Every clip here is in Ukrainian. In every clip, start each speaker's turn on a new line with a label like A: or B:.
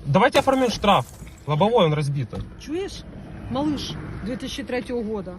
A: Давайте оформим штраф. Лобовой он разбито.
B: Чуєш, малыш 2003 года,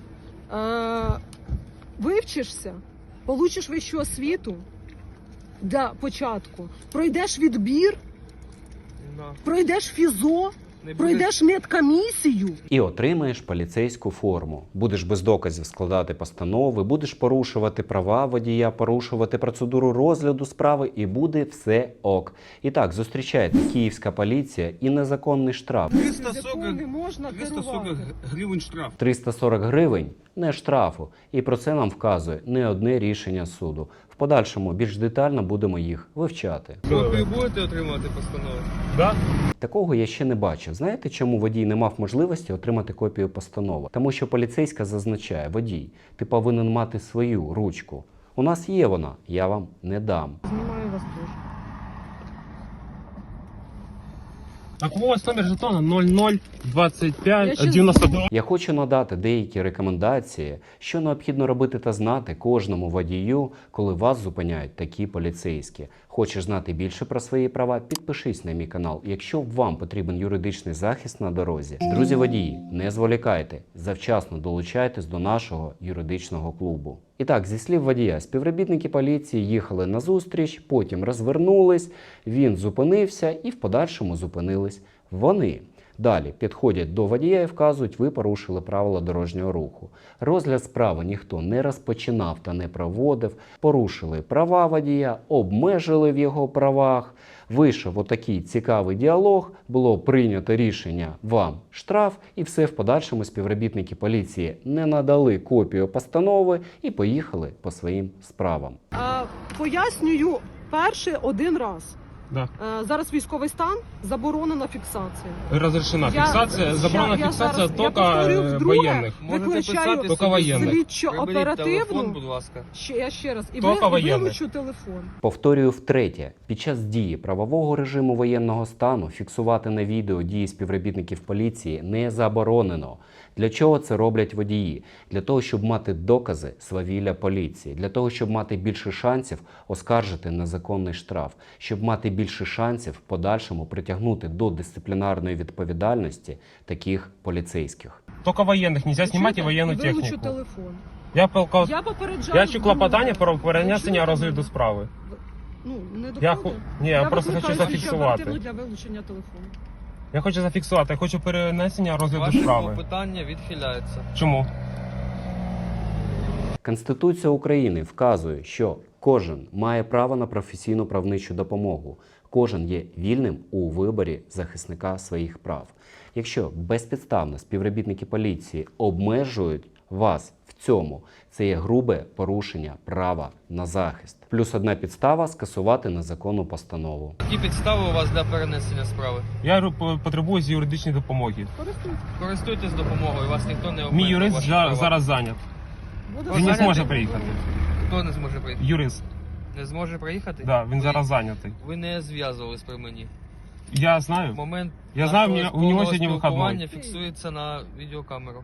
B: вивчишся, получиш вищу освіту для початку, пройдеш відбір, пройдеш фізо, пройдеш медкомісію.
C: І отримаєш поліцейську форму. Будеш без доказів складати постанови, будеш порушувати права водія, порушувати процедуру розгляду справи і буде все ок. І так, зустрічаєте київська поліція і незаконний штраф.
A: 340 гривень штраф.
C: 340 гривень не штрафу. І про це нам вказує не одне рішення суду. В подальшому більш детально будемо їх вивчати.
D: Ви будете отримати постанову?
A: Да?
C: Такого я ще не бачив. Знаєте, чому водій не мав можливості отримати копію постанови? Тому що поліцейська зазначає: водій, ти повинен мати свою ручку. У нас є вона, я вам не дам.
B: Знімаю вас теж.
A: Так ось номер жетона 0025
B: Я ще
A: 92.
C: Я хочу надати деякі рекомендації, що необхідно робити та знати кожному водію, коли вас зупиняють такі поліцейські. Хочеш знати більше про свої права? Підпишись на мій канал, якщо вам потрібен юридичний захист на дорозі. Друзі водії, не зволікайте, завчасно долучайтесь до нашого юридичного клубу. І так, зі слів водія, співробітники поліції їхали на зустріч, потім розвернулись, він зупинився і в подальшому зупинились вони. Далі підходять до водія і вказують: ви порушили правила дорожнього руху. Розгляд справи ніхто не розпочинав та не проводив, порушили права водія, обмежили в його правах. Вийшов отакий цікавий діалог, було прийнято рішення вам штраф, і все в подальшому співробітники поліції не надали копію постанови і поїхали по своїм справам.
B: Пояснюю перше один раз.
A: Да.
B: Зараз військовий стан, заборонена фіксація.
A: Разрешена фиксация, забрана фиксация только военных.
B: Виключаю
A: Только военных.
B: слідчо
D: Телефон,
B: оперативну.
D: будь ласка.
B: Я ще раз. І
A: Тільки воєнних.
B: вилучу телефон.
C: Повторюю втретє, під час дії правового режиму воєнного стану фіксувати на відео дії співробітників поліції не заборонено. Для чого це роблять водії? Для того, щоб мати докази свавілля поліції, для того, щоб мати більше шансів оскаржити незаконний штраф, щоб мати більше шансів в подальшому притягнути до дисциплінарної відповідальності таких поліцейських.
A: Только военных, нельзя снимать и военную
B: Вилучу
A: технику.
B: телефон.
A: Я
B: попереджаю.
A: Я чую клопотання про перенесення розгляду справи.
B: Ну, не
A: Я
B: доходить.
A: Ні, я просто хочу
B: викликаю слідчо
A: зафіксувати.
B: оперативну для вилучення телефону.
A: Я хочу зафіксувати, я хочу перенесення розгляду
D: Ваше
A: справи.
D: питання відхиляється.
A: Чому?
C: Конституція України вказує, що кожен має право на професійну правничу допомогу. Кожен є вільним у виборі захисника своїх прав. Якщо безпідставно співробітники поліції обмежують вас в цьому, це є грубе порушення права на захист. Плюс одна підстава – скасувати незаконну постанову.
D: Які підстави у вас для перенесення справи?
A: Я потребую юридичної допомоги.
D: Користуйтесь допомогою, вас ніхто не
A: Мій
D: обмежує.
A: юрист
D: ваші права.
A: зараз зайнят.
B: Буде
A: Він не
D: зайнятий?
A: зможе приїхати.
D: Хто не зможе приїхати?
A: Юрист,
D: Не зможе приїхати?
A: да, він зараз зайнятий.
D: Ви не зв'язувались при мені.
A: Я знаю.
D: Момент
A: Я знаю,
D: нашого
A: у нього
D: повного
A: сьогодні
D: спілкування
A: вихідний.
D: фіксується на відеокамеру.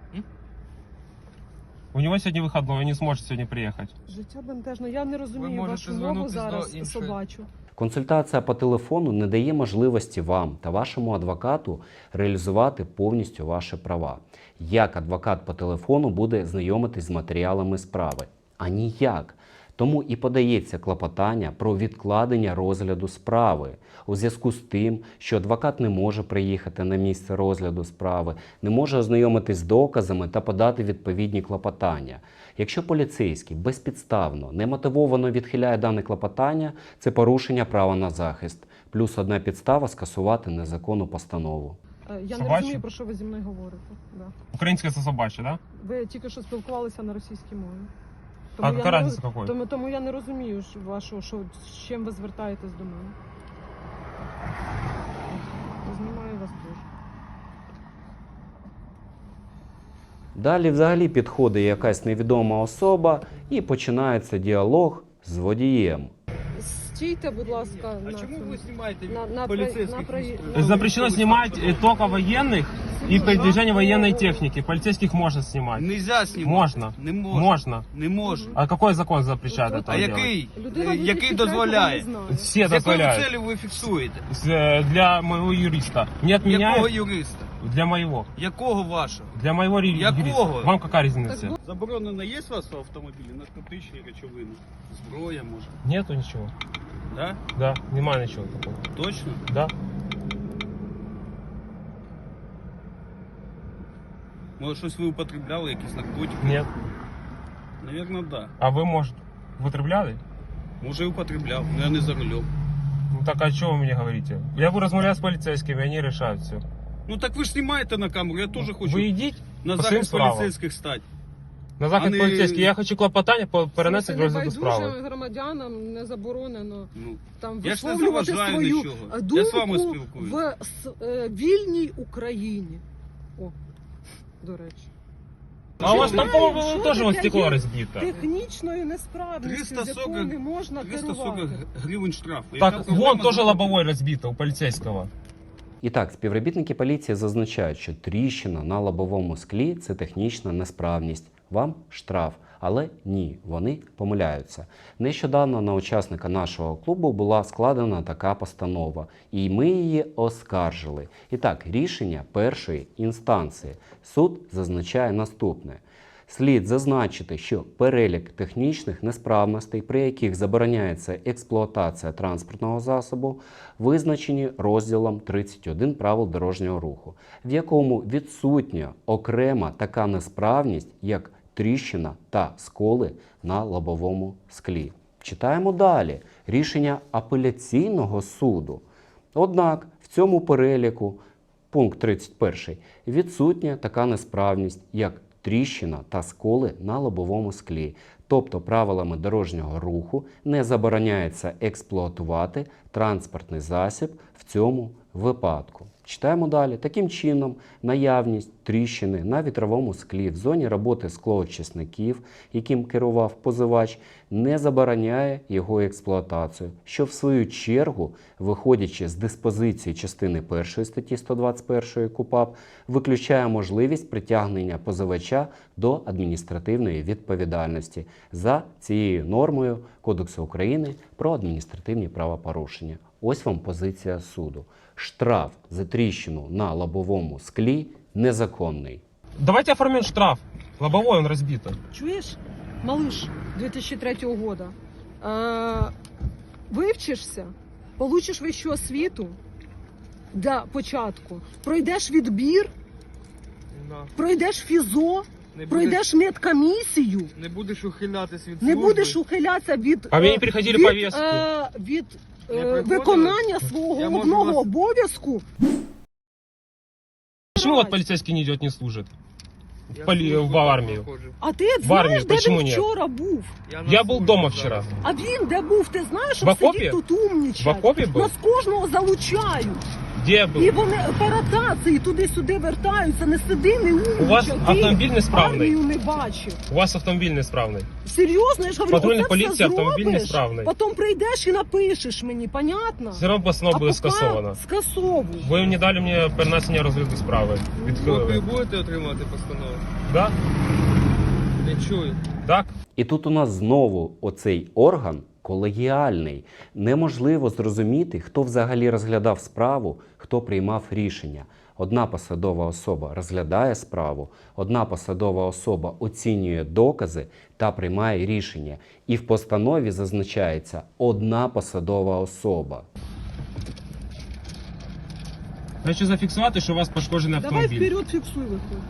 A: У него сьогодні вихідний, він не зможе сьогодні приїхати.
B: Життя бентежне. Я не розумію
D: можете
B: вашу мову
D: звернутись
B: зараз
D: до іншої.
B: собачу.
C: Консультація по телефону не дає можливості вам та вашому адвокату реалізувати повністю ваші права. Як адвокат по телефону буде знайомитись з матеріалами справи? А ніяк. Тому і подається клопотання про відкладення розгляду справи у зв'язку з тим, що адвокат не може приїхати на місце розгляду справи, не може ознайомитись з доказами та подати відповідні клопотання. Якщо поліцейський безпідставно, немотивовано відхиляє дане клопотання, це порушення права на захист. Плюс одна підстава – скасувати незаконну постанову.
B: Я
A: Собачу?
B: не розумію, про що ви зі мною говорите. Да.
A: Українське це собаче, да?
B: Ви тільки що спілкувалися на російській мові.
A: А
B: я
A: яка
B: не
A: разниця
B: роз-
A: какой?
B: Тому я не розумію, з чим ви звертаєтесь до мене. Знімаю вас теж.
C: Далі взагалі підходить якась невідома особа і починається діалог з водієм.
B: стійте, будь ласка,
E: А
B: на
E: чому
B: цьому.
E: ви знімаєте
B: На
E: поліцейських?
A: Запрещено снимать только военных и передвижение военной техники. Полицейских можно снимать.
E: Нельзя знімати.
A: Можно.
E: Не можна.
A: Можно.
E: Не можна.
A: А какой закон запрещает это
E: А
A: делать?
E: який?
B: Людина
E: Який
B: 2003
E: дозволяє?
B: не знає.
A: Все
E: З якою
A: дозволяют.
E: целью ви фіксуєте?
A: Для моего юриста. Не
E: Якого
A: отменяют
E: юриста?
A: для моего.
E: Якого вашого?
A: Для моего юриста.
E: Якого?
A: Вам какая разница?
E: Заборонено є у вас в автомобілі наркотичні речовини? Зброя може?
A: Нету ничего.
E: Да?
A: Да, немає ничего такого.
E: Точно?
A: Да.
E: Може щось ви употребляли, якісь наркотики?
A: Нет.
E: Навірно, да.
A: А вы, может, употребляли?
E: Може і употребляв, але я не за рулем.
A: Ну так а что вы мне говорите? Я буду размовлять с полицейскими, они решают все.
E: Ну так ви ж знімаєте на камеру, я теж хочу
A: Вы идите
E: на
A: по своїм
E: захист
A: справам.
E: поліцейських стати.
A: На захід
E: А не-
A: поліцейський. Я хочу клопотання перенести до розгляду справи.
B: Небайдужим громадянам не заборонено
E: Ну,
B: там
E: я ж не
B: висловлювати
E: заважаю
B: свою
E: нічого.
B: думку
E: Я з вами спілкуюсь.
B: в вільній Україні. О, до речі.
A: А у вас там,
B: Що
A: по-моему, тоже вот
B: таке
A: стекло
B: є
A: разбито.
B: Технічною несправністю, з
E: 340
B: якою не можна
E: 340
B: керувати.
E: гривень штрафу. Яка
A: Так,
E: проблема
A: вон тоже
E: з-
A: лобовой разбито у полицейского.
C: І так, співробітники поліції зазначають, що тріщина на лобовому склі – це технічна несправність. Вам штраф. Але ні, вони помиляються. Нещодавно на учасника нашого клубу була складена така постанова, і ми її оскаржили. І так, рішення першої інстанції. Суд зазначає наступне. Слід зазначити, що перелік технічних несправностей, при яких забороняється експлуатація транспортного засобу, визначені розділом 31 правил дорожнього руху, в якому відсутня окрема така несправність, як тріщина та сколи на лобовому склі. Читаємо далі рішення апеляційного суду. Однак в цьому переліку, пункт 31, відсутня така несправність, як тріщина та сколи на лобовому склі. Тобто правилами дорожнього руху не забороняється експлуатувати транспортний засіб в цьому випадку. Читаємо далі. Таким чином, наявність тріщини на вітровому склі в зоні роботи склоочисників, яким керував позивач, не забороняє його експлуатацію, що в свою чергу, виходячи з диспозиції частини 1 статті 121 КУпАП, виключає можливість притягнення позивача до адміністративної відповідальності за цією нормою Кодексу України про адміністративні правопорушення. Ось вам позиція суду. Штраф за тріщину на лобовому склі незаконний.
A: Давайте оформим штраф. Лобовой он разбито.
B: Чуєш, малыш 2003 года, вивчишся, получиш вищу освіту для початку, пройдеш відбір,
D: Да.
B: пройдеш фізо,
D: Не
B: пройдеш медкомісію,
D: Не будеш ухилятись від
B: не
D: служби.
B: будеш ухилятися від,
A: А мені приходили
B: від,
A: повістки.
B: від
D: Не приходили?
B: виконання свого
D: Я можу
B: одного
D: вас-
B: обов'язку.
A: Почему вот полицейский не идет, не служит?
D: Я
A: в
D: службу
A: армію.
D: проходжу.
B: А ти
A: В армію,
B: знаєш, де
A: почему
B: він
A: ні?
B: вчора був?
D: на
A: Я был
D: службі
A: дома
D: зараз.
A: вчера.
B: А він де був? Ти знаєш,
A: В
B: що
A: окопі?
B: сидіть тут умнічать?
A: В окопі був?
B: Нас кожного залучають.
A: Где я был?
B: І вони операції туди-сюди вертаються, не сиди, не умнічай.
A: У вас
B: Ти
A: автомобіль несправний.
B: армію не бачив.
A: У вас автомобиль неисправный.
B: Серйозно, я ж говорю,
A: Патрульна
B: оце
A: поліція,
B: все
A: автомобіль
B: зробиш,
A: несправний.
B: потім прийдеш і напишеш мені, понятно?
A: Все равно постанова буде
B: поки
A: скасована.
B: скасовуй.
A: Ви не дали мені перенесення розгляду справи.
D: Ви
A: Відхилили.
D: будете отримати постанову?
A: Да?
D: Не чую.
A: Так?
C: І тут у нас знову оцей орган колегіальний. Неможливо зрозуміти, хто взагалі розглядав справу, хто приймав рішення. Одна посадова особа розглядає справу, одна посадова особа оцінює докази та приймає рішення. І в постанові зазначається одна посадова особа.
A: Хочу зафіксувати, що у вас пошкоджений
B: Давай
A: автомобіль.
B: вперед фіксуй виходь.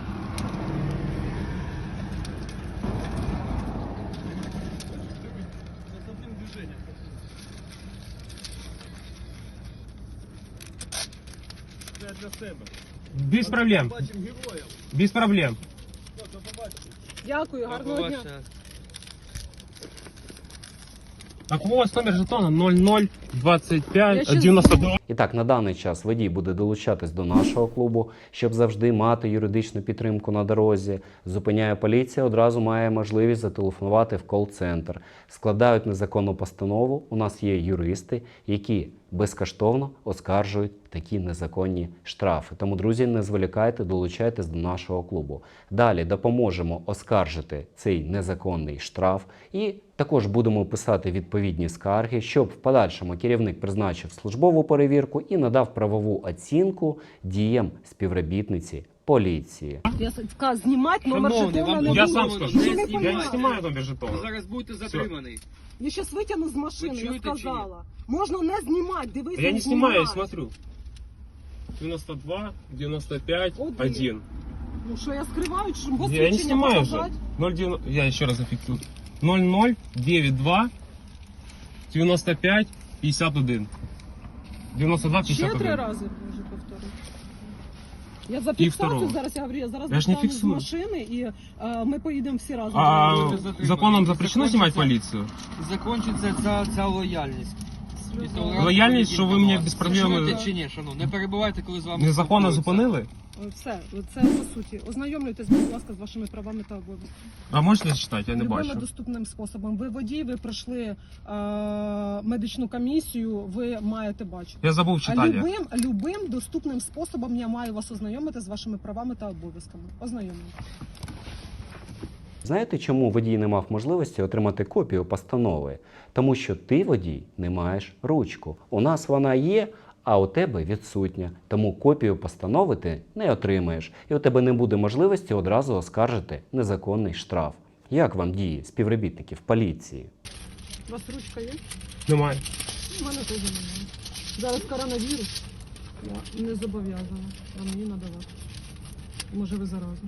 E: Це для себе.
A: Без проблем.
E: Бачимо героїв.
A: Без проблем.
B: Дякую, гарного дня.
D: Побачення.
A: Так у вас номер жетона 00 25,
B: Я ще
A: 92.
C: І так, на даний час водій буде долучатись до нашого клубу, щоб завжди мати юридичну підтримку на дорозі. Зупиняє поліція, одразу має можливість зателефонувати в кол-центр. Складають незаконну постанову. У нас є юристи, які безкоштовно оскаржують такі незаконні штрафи. Тому, друзі, не зволікайте, долучайтесь до нашого клубу. Далі допоможемо оскаржити цей незаконний штраф і також будемо писати відповідні скарги, щоб в подальшому керівник призначив службову перевірку і надав правову оцінку діям співробітниці поліції.
B: Я сказала, знімати номер
D: Шановний,
B: жетона
D: вам
B: не
A: Я
B: буду.
A: сам скажу.
B: Ви не
A: Я не
B: понімаєте.
A: снимаю номер
D: Ви
A: жетона.
D: зараз будете затриманий.
B: Я зараз витягну з машини,
D: Ви
B: я
D: чуєте чи ні?
B: сказала. Можна не знімати, дивись,
A: Я не
B: не
A: снимаю, я
B: знімай.
A: смотрю. 92, 95,
B: Один.
A: 1.
B: Ну що, я скриваю, чи бо
A: Я не снимаю же.
B: показати?
A: 0,9, я еще раз зафиксирую. 00, 92, 95, 51. 92,
B: Ще 3
A: 51.
B: рази може повторити. Я за
A: І
B: фіксацію
A: второго.
B: зараз, я говорю, я зараз
A: Я ж не
B: достану з
A: фіксую.
B: машини і ми поїдемо всі разом.
A: А
D: Затриманий.
A: законом запрещено снимать полицию?
D: Закінчиться ця лояльність. І толерантність
A: Лояльність, що ви мені
D: повноважень.
A: без проблем-
D: Ви чуєте чи ні, шановні? Не перебувайте, коли з вами
A: Незаконно
D: спілкуються.
A: зупинили?
B: Все, це по суті. Ознайомлюйтесь, будь ласка, з вашими правами та обов'язками.
A: А можете зачитати? Я не
B: Любими
A: бачу.
B: доступним способом. Ви водій, ви пройшли медичну комісію, ви маєте бачити.
A: Я забув
B: А
A: читання.
B: любим доступним способом я маю вас ознайомити з вашими правами та обов'язками. Ознайомлю.
C: Знаєте, чому водій не мав можливості отримати копію постанови? Тому що ти, водій, не маєш ручку. У нас вона є, а у тебе відсутня. Тому копію постанови ти не отримаєш. І у тебе не буде можливості одразу оскаржити незаконний штраф. Як вам дії співробітників поліції?
B: У вас ручка є?
A: Немає.
B: У мене теж немає. Зараз коронавірус. Я не зобов'язана вам мені надавати. Може, ви заразні.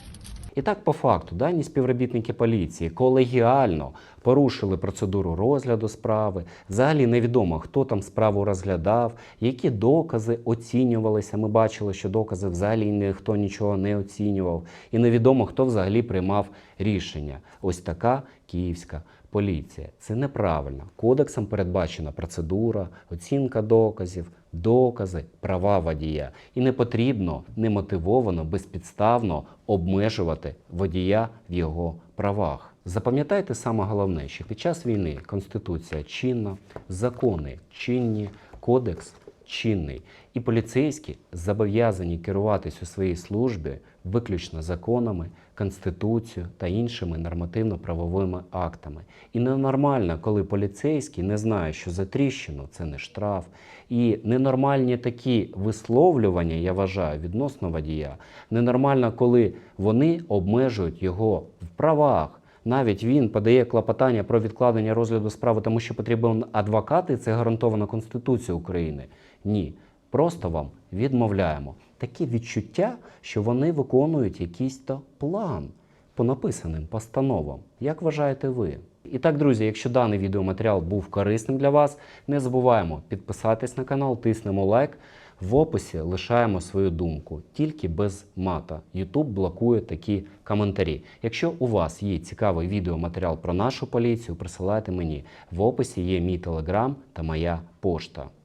C: І так, по факту, дані співробітники поліції колегіально порушили процедуру розгляду справи. Взагалі невідомо, хто там справу розглядав, які докази оцінювалися. Ми бачили, що докази взагалі ніхто нічого не оцінював. І невідомо, хто взагалі приймав рішення. Ось така київська поліція. Це неправильно. Кодексом передбачена процедура, оцінка доказів, докази, права водія. І не потрібно немотивовано, безпідставно обмежувати водія в його правах. Запам'ятайте саме головне, що під час війни Конституція чинна, закони чинні, кодекс чинний. І поліцейські зобов'язані керуватись у своїй службі виключно законами, Конституцією та іншими нормативно-правовими актами. І ненормально, коли поліцейський не знає, що за тріщину це не штраф. І ненормальні такі висловлювання, я вважаю, відносно водія. Ненормально, коли вони обмежують його в правах. Навіть він подає клопотання про відкладення розгляду справи, тому що потрібен адвокат, і це гарантовано Конституцією України. Ні, просто вам відмовляємо. Таке відчуття, що вони виконують якийсь то план по написаним постановам. Як вважаєте ви? І так, друзі, якщо даний відеоматеріал був корисним для вас, не забуваємо підписатись на канал, тиснемо лайк. В описі лишаємо свою думку, тільки без мата. YouTube блокує такі коментарі. Якщо у вас є цікавий відеоматеріал про нашу поліцію, присилайте мені. В описі є мій телеграм та моя пошта.